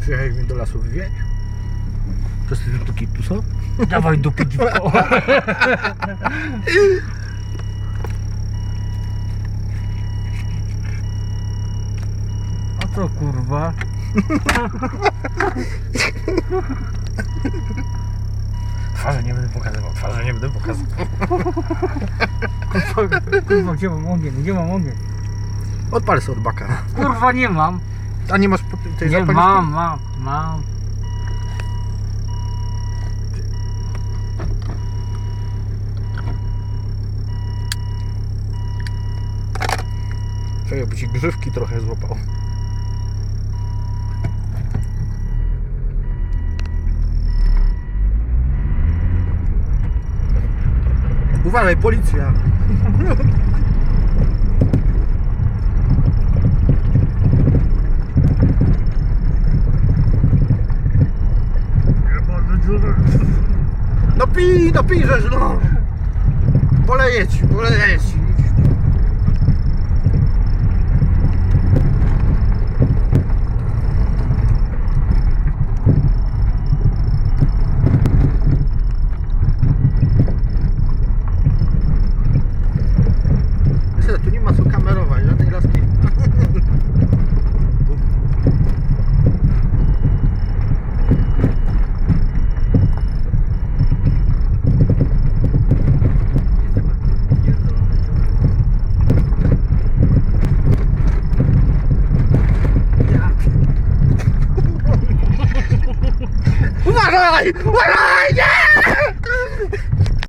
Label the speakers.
Speaker 1: Przyjechałeś mnie do lasu wywieźć? To jest tu kitu, co?
Speaker 2: Dawaj dupy dziwko. A co kurwa?
Speaker 1: Twarze nie będę pokazywał, twarze nie będę pokazywał.
Speaker 2: Kurwa, gdzie mam ogień? Gdzie mam ogień?
Speaker 1: Odpalę sobie od baka.
Speaker 2: Kurwa, nie mam.
Speaker 1: A nie masz tej
Speaker 2: Nie,
Speaker 1: zapalniczki?
Speaker 2: mam.
Speaker 1: Czekaj, by ci grzywki trochę złapał. Uważaj, policja! No pij, żeż no! Poleję ci. Myślę, tu nie ma co kamerować, żadnej laski. Uważaj! Nie!